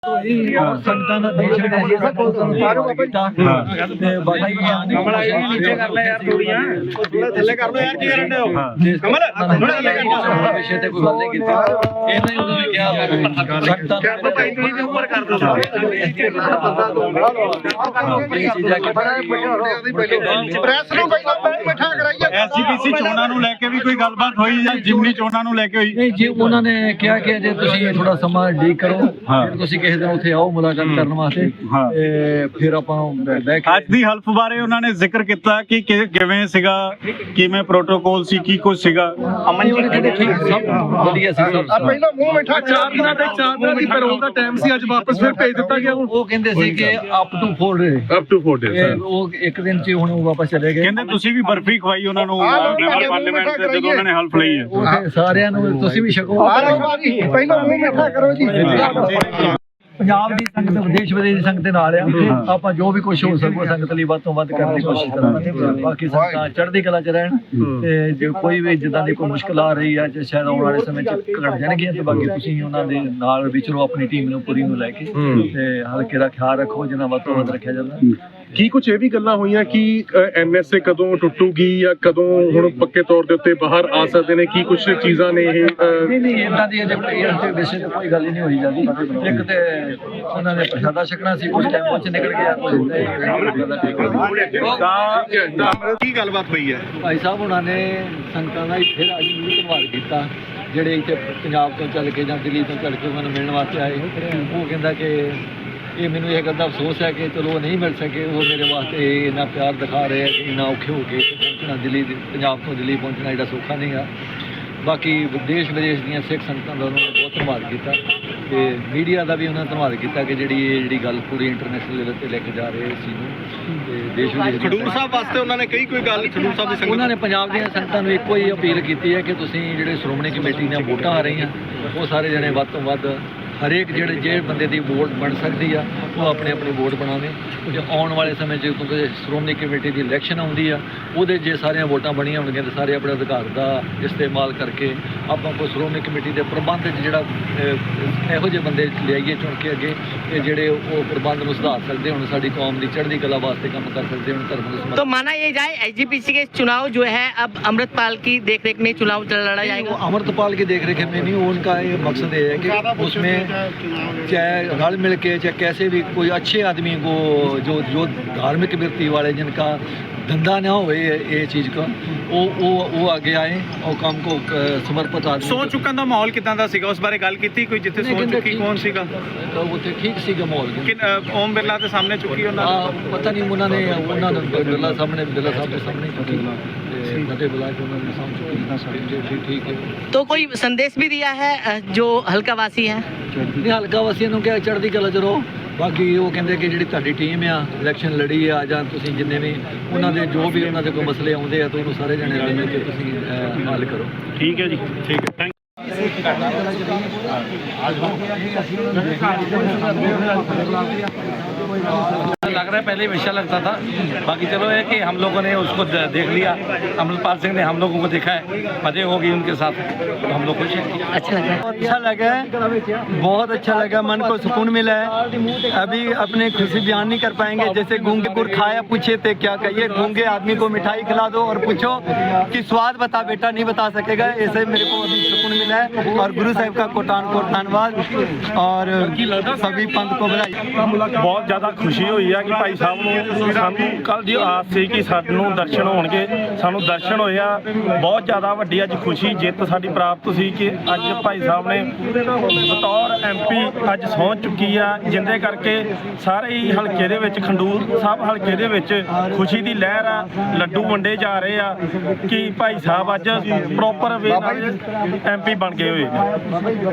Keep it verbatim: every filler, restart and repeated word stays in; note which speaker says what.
Speaker 1: संगतां दा देश विदेश दा कोल कीता ते बाकी कमल आई नीचे कर ले यार थोड़ियां थोड़ा थल्ले कर लो यार की करन दे हो कमल थोड़ा थल्ले कर दो विषय ते कोई गल नहीं कीती इन्हें उन्होंने क्या संगतां क्या पता ही नहीं ऊपर कर दो ये चीज़ है कि
Speaker 2: ਪ੍ਰੈਸ ਨੂੰ ਪਹਿਲਾਂ ਬੈਠਾ ਕਰਾਈਏ
Speaker 3: ਐਸਜੀਪੀਸੀ ਚੋਣਾਂ ਨੂੰ ਲੈ ਕੇ ਵੀ ਕੋਈ ਗੱਲਬਾਤ ਹੋਈ ਜਾਂ ਜਿਮਨੀ ਚੋਣਾਂ ਨੂੰ ਲੈ ਕੇ ਹੋਈ?
Speaker 1: नहीं जी उन्होंने क्या कि जे तुसीं थोड़ा समा डी करो फिर तुसीं किसी दिन उत्थे आओ मुलाकात करन वास्ते ते फिर आपां बैठ के
Speaker 3: ਅੱਜ ਦੀ ਹਲਫ ਬਾਰੇ ਉਹਨਾਂ ਨੇ ਜ਼ਿਕਰ ਕੀਤਾ ਕਿ ਕਿ- ਕਿਵੇਂ ਸੀਗਾ, ਕਿਵੇਂ ਪ੍ਰੋਟੋਕੋਲ ਸੀ, ਕੀ ਕੁਝ ਸੀਗਾ?
Speaker 1: ਅਮਨ ਜੀ ਕਹਿੰਦੇ ਠੀਕ ਸਭ ਵਧੀਆ ਸੀ ਸਭ
Speaker 2: ਆ ਪਹਿਲਾਂ ਮੂੰਹ ਮਿੱਠਾ
Speaker 4: ਚਾਰ ਦਿਨਾਂ ਤੱਕ ਚਾਰ ਦਿਨਾਂ ਦੀ ਪੈਰੋਲ ਦਾ ਟਾਈਮ ਸੀ, ਅੱਜ ਵਾਪਸ ਫਿਰ ਭੇਜ ਦਿੱਤਾ ਗਿਆ। ਹੁਣ
Speaker 1: ਉਹ ਕਹਿੰਦੇ ਸੀ ਕਿ up to four day
Speaker 4: up to four days
Speaker 1: ਉਹ ਇੱਕ ਦਿਨ ਚ ਹੁਣ ਉਹ ਵਾਪਸ ਚਲੇ ਗਏ।
Speaker 3: ਕਹਿੰਦੇ ਤੁਸੀਂ ਵੀ ਬਰਫੀ ਖਵਾਈ ਉਹਨਾਂ ਨੂੰ ਮੈਂਬਰ ਪਾਰਲੀਮੈਂਟ ਤੇ ਜਦੋਂ ਉਹਨਾਂ ਨੇ ਹਲਫ ਲਈ ਹੈ।
Speaker 1: ਉਹ ਤੇ ਸਾਰਿਆਂ ਨੂੰ ਤੁਸੀਂ ਵੀ ਛਕੋ।
Speaker 2: ਪਹਿਲਾਂ ਮੂੰਹ ਮਿੱਠਾ ਕਰੋ ਜੀ।
Speaker 1: ਪੰਜਾਬ ਦੀ ਸੰਗਤ ਵਿਦੇਸ਼ ਵਿਦੇਸ਼ ਦੀ ਸੰਗਤ ਦੇ ਨਾਲ ਆ, ਆਪਾਂ ਜੋ ਵੀ ਕੁਝ ਹੋ ਸਕੋ ਸੰਗਤ ਲਈ ਵੱਧ ਤੋਂ ਵੱਧ ਕਰਨ ਦੀ ਕੋਸ਼ਿਸ਼ ਕਰਾਂਗੇ। ਬਾਕੀ ਸੰਗਤਾਂ ਚੜ੍ਹਦੀ ਕਲਾ ਚ ਰਹਿਣ ਤੇ ਜੇ ਕੋਈ ਵੀ ਜਿੱਦਾਂ ਦੀ ਕੋਈ ਮੁਸ਼ਕਲ ਆ ਰਹੀ ਆ ਜਾਂ ਸ਼ਾਇਦ ਆਉਣ ਵਾਲੇ ਸਮੇਂ ਚ ਘਟ ਜਾਣਗੀਆਂ ਤੇ ਬਾਕੀ ਤੁਸੀਂ ਉਹਨਾਂ ਦੇ ਨਾਲ ਵਿਚਰੋ ਆਪਣੀ ਟੀਮ ਨੂੰ ਪੂਰੀ ਨੂੰ ਲੈ ਕੇ ਤੇ ਹਲਕੇ ਦਾ ਖਿਆਲ ਰੱਖੋ ਜਿੰਨਾ ਵੱਧ ਤੋਂ ਵੱਧ ਰੱਖਿਆ ਜਾਂਦਾ।
Speaker 4: ਕੀ ਕੁਝ ਇਹ ਵੀ ਗੱਲਾਂ ਹੋਈਆਂ ਕਿ ਐਨਐਸਏ ਕਦੋਂ ਟੁੱਟੂਗੀ ਜਾਂ ਕਦੋਂ ਹੁਣ ਪੱਕੇ ਤੌਰ ਦੇ ਉੱਤੇ ਬਾਹਰ ਆ ਸਕਦੇ ਨੇ? ਕੀ ਕੁਝ ਚੀਜ਼ਾਂ ਨੇ ਇਹ?
Speaker 1: ਨਹੀਂ ਨਹੀਂ ਇਦਾਂ ਦੀ ਅਜੇ ਕੋਈ ਇਸ ਦੇ ਵਿਸ਼ੇ ਤੇ ਕੋਈ ਗੱਲ ਹੀ ਨਹੀਂ ਹੋਈ ਜਾਂਦੀ। ਇੱਕ ਤੇ ਉਹਨਾਂ ਨੇ ਪ੍ਰਸ਼ਾਦਾ ਛਕਣਾ ਸੀ, ਉਸ ਟਾਈਮ ਉਹ ਚ ਨਿਕਲ ਗਿਆ
Speaker 3: ਤਾਂ ਕੀ ਗੱਲਬਾਤ ਹੋਈ ਹੈ?
Speaker 1: ਭਾਈ ਸਾਹਿਬ ਉਹਨਾਂ ਨੇ ਸੰਗਤਾਂ ਦਾ ਫਿਰ ਅੱਜ ਵੀ ਧੰਨਵਾਦ ਕੀਤਾ ਜਿਹੜੇ ਇੱਥੇ ਪੰਜਾਬ ਤੋਂ ਚੱਲ ਕੇ ਜਾਂ ਦਿੱਲੀ ਤੋਂ ਚੱਲ ਕੇ ਉਹਨਾਂ ਨੂੰ ਮਿਲਣ ਵਾਸਤੇ ਆਏ। ਉਹ ਕਹਿੰਦਾ ਕਿ ਇਹ ਮੈਨੂੰ ਇਹ ਗੱਲ ਦਾ ਅਫਸੋਸ ਹੈ ਕਿ ਚਲੋ ਨਹੀਂ ਮਿਲ ਸਕੇ, ਉਹ ਮੇਰੇ ਵਾਸਤੇ ਇੰਨਾ ਪਿਆਰ ਦਿਖਾ ਰਹੇ ਆ ਕਿ ਇੰਨਾ ਔਖੇ ਹੋ ਕੇ ਪਹੁੰਚਣਾ ਦਿੱਲੀ, ਪੰਜਾਬ ਤੋਂ ਦਿੱਲੀ ਪਹੁੰਚਣਾ ਜਿਹੜਾ ਸੌਖਾ ਨਹੀਂ ਆ। ਬਾਕੀ ਵਿਦੇਸ਼ ਵਿਦੇਸ਼ ਦੀਆਂ ਸਿੱਖ ਸੰਗਤਾਂ ਦਾ ਉਹਨਾਂ ਨੇ ਬਹੁਤ ਧੰਨਵਾਦ ਕੀਤਾ ਤੇ ਮੀਡੀਆ ਦਾ ਵੀ ਉਹਨਾਂ ਨੇ ਧੰਨਵਾਦ ਕੀਤਾ ਕਿ ਜਿਹੜੀ ਇਹ ਜਿਹੜੀ ਗੱਲ ਪੂਰੀ ਇੰਟਰਨੈਸ਼ਨਲ ਲੈਵਲ ਤੇ ਲੈ ਕੇ ਜਾ ਰਹੇ ਸੀ ਨੂੰ ਤੇ ਦੇਸ਼ ਵਿਦੇਸ਼
Speaker 3: ਖਡੂਰ ਸਾਹਿਬ ਵਾਸਤੇ ਉਹਨਾਂ ਨੇ ਕਈ ਕੋਈ ਗੱਲ ਖਡੂਰ ਸਾਹਿਬ ਦੀ ਸੰਗਤ
Speaker 1: ਉਹਨਾਂ ਨੇ ਪੰਜਾਬ ਦੀਆਂ ਸੰਗਤਾਂ ਨੂੰ ਇੱਕੋ ਹੀ ਅਪੀਲ ਕੀਤੀ ਹੈ ਕਿ ਤੁਸੀਂ ਜਿਹੜੇ ਸ਼੍ਰੋਮਣੀ ਕਮੇਟੀ ਦੀਆਂ ਵੋਟਾਂ ਆ ਰਹੀਆਂ ਉਹ ਸਾਰੇ ਜਣੇ ਵੱਧ ਤੋਂ ਵੱਧ ਹਰੇਕ ਜਿਹੜੇ ਜਿਹੜੇ ਬੰਦੇ ਦੀ ਵੋਟ ਬਣ ਸਕਦੀ ਆ ਉਹ ਆਪਣੇ ਆਪਣੀ ਵੋਟ ਬਣਾਵੇ। ਜੇ ਆਉਣ ਵਾਲੇ ਸਮੇਂ 'ਚ ਕਿਉਂਕਿ ਸ਼੍ਰੋਮਣੀ ਕਮੇਟੀ ਦੀ ਇਲੈਕਸ਼ਨ ਆਉਂਦੀ ਆ ਉਹਦੇ ਜੇ ਸਾਰੀਆਂ ਵੋਟਾਂ ਬਣੀਆਂ ਹੋਣਗੀਆਂ ਤਾਂ ਸਾਰੇ ਆਪਣੇ ਅਧਿਕਾਰ ਦਾ ਇਸਤੇਮਾਲ ਕਰਕੇ ਆਪਾਂ ਕੋਈ ਸ਼੍ਰੋਮਣੀ ਕਮੇਟੀ ਦੇ ਪ੍ਰਬੰਧ 'ਚ ਜਿਹੜਾ ਇਹੋ ਜਿਹੇ ਬੰਦੇ ਲਿਆਈਏ ਚੁਣ ਕੇ ਅੱਗੇ ਤੇ ਜਿਹੜੇ ਉਹ ਪ੍ਰਬੰਧ ਨੂੰ ਸੁਧਾਰ ਸਕਦੇ ਹੁਣ ਸਾਡੀ ਕੌਮ ਦੀ ਚੜ੍ਹਦੀ ਕਲਾ ਵਾਸਤੇ ਕੰਮ ਕਰ ਸਕਦੇ ਹੁਣ ਧਰਮ ਨੂੰ।
Speaker 5: तो माना ये जाए एसजीपीसी के चुनाव जो है अब अमृतपाल की देखरेख में चुनाव लड़ा जाएगा।
Speaker 1: अमृतपाल की देखरेख में नहीं, उनका ये मकसद ये है कि उसमें चाहे रल मिल के चाहे कैसे भी कोई अच्छे आदमी को जो जो धार्मिक व्यक्ति वाले जिनका धंधा ना हो ये चीज़ का वो वो वो आगे आए और काम को समर्पित आदमी।
Speaker 3: ਸੌ ਚੁੱਕਣ ਦਾ ਮਾਹੌਲ ਕਿਦਾਂ ਦਾ ਸੀਗਾ, ਉਸ ਬਾਰੇ ਗੱਲ ਕੀਤੀ ਕੋਈ? ਜਿੱਥੇ ਸੌ ਚੁੱਕੀ ਕੌਣ ਸੀਗਾ
Speaker 1: ਉੱਥੇ ਠੀਕ ਸੀਗਾ ਮਾਹੌਲ।
Speaker 3: ਕਿ ਓਮ ਬਿਰਲਾ ਦੇ ਸਾਹਮਣੇ ਚੁੱਕੀ ਉਹਨਾਂ ਨੇ?
Speaker 1: ਪਤਾ ਨਹੀਂ ਉਹਨਾਂ ਨੇ ਉਹਨਾਂ ਨੇ ਬਿਰਲਾ ਸਾਹਮਣੇ ਬਿਰਲਾ ਸਾਹਿਬ ਦੇ ਸਾਹਮਣੇ ਚੁੱਕੀ ਤੇ ਫਤਿਹ ਬੁਲਾ ਕੇ ਉਹਨਾਂ ਨੇ ਸਾਹਮਣੇ ਚੁੱਕੀ। ਠੀਕ ਠੀਕ ਹੈ।
Speaker 5: तो कोई संदेश भी दिया है जो हल्का वासी है?
Speaker 1: ਨਹੀਂ ਹਲਕਾ ਵਾਸੀਆਂ ਨੂੰ ਕਿਹਾ ਚੜ੍ਹਦੀ ਕਲਾ ਚ ਰਹੋ। ਬਾਕੀ ਉਹ ਕਹਿੰਦੇ ਕਿ ਜਿਹੜੀ ਤੁਹਾਡੀ ਟੀਮ ਆ ਇਲੈਕਸ਼ਨ ਲੜੀ ਆ ਜਾਂ ਤੁਸੀਂ ਜਿੰਨੇ ਵੀ ਉਹਨਾਂ ਦੇ ਜੋ ਵੀ ਉਹਨਾਂ ਦੇ ਕੋਈ ਮਸਲੇ ਆਉਂਦੇ ਆ ਤਾਂ ਉਹਨੂੰ ਸਾਰੇ ਜਣੇ ਰਲ ਮਿਲ ਕੇ ਤੁਸੀਂ ਹੱਲ ਕਰੋ।
Speaker 3: ਠੀਕ ਹੈ ਜੀ, ਠੀਕ ਹੈ, ਥੈਂਕ
Speaker 6: लग रहा है पहले हमेशा लगता था, बाकी चलो है कि हम लोगों ने उसको देख लिया, अमृतपाल सिंह ने हम लोगों को देखा है, मजे होगी उनके साथ तो हम लोग खुश हैं।
Speaker 5: अच्छा लगा?
Speaker 7: अच्छा लगा है, बहुत अच्छा लगा, मन को सुकून मिला है। अभी अपने खुशी बयान नहीं कर पाएंगे, जैसे गूंगे गुड़ खाया पूछे थे क्या कहिए, गूंगे आदमी को मिठाई खिला दो और पूछो कि स्वाद बता बेटा, नहीं बता सकेगा। ऐसे मेरे को अभी सुकून मिला है और गुरु साहिब का कोटान कोट धन्यवाद और सभी पंथ को बधाई।
Speaker 6: बहुत ज़्यादा खुशी हुई है कि भाई साहब ਨੂੰ ਸਾਨੂੰ ਕੱਲ ਦੀ ਆਸ ਸੀ ਕਿ ਸਾਨੂੰ ਦਰਸ਼ਨ ਹੋਣਗੇ, ਸਾਨੂੰ ਦਰਸ਼ਨ ਹੋਇਆ। ਬਹੁਤ ਜ਼ਿਆਦਾ ਵੱਡੀ ਅੱਜ ਖੁਸ਼ੀ ਜਿੱਤ ਸਾਡੀ ਪ੍ਰਾਪਤ ਸੀ ਕਿ ਅੱਜ ਭਾਈ ਸਾਹਿਬ ਨੇ ਬਤੌਰ ਐਮਪੀ ਅੱਜ ਸਹੁੰ ਚੁੱਕੀ ਆ, ਜਿੰਦੇ ਕਰਕੇ ਸਾਰੇ ਹੀ ਹਲਕੇ ਦੇ ਵਿੱਚ ਖੰਡੂਰ ਸਾਹਿਬ ਹਲਕੇ ਦੇ ਵਿੱਚ ਖੁਸ਼ੀ ਦੀ ਲਹਿਰ ਆ, ਲੱਡੂ ਵੰਡੇ ਜਾ ਰਹੇ ਆ ਕਿ ਭਾਈ ਸਾਹਿਬ ਅੱਜ ਪ੍ਰੋਪਰ ਵੇ ਨਾਲ ਐਮਪੀ ਬਣ ਗਏ ਹੋਏ ਨੇ।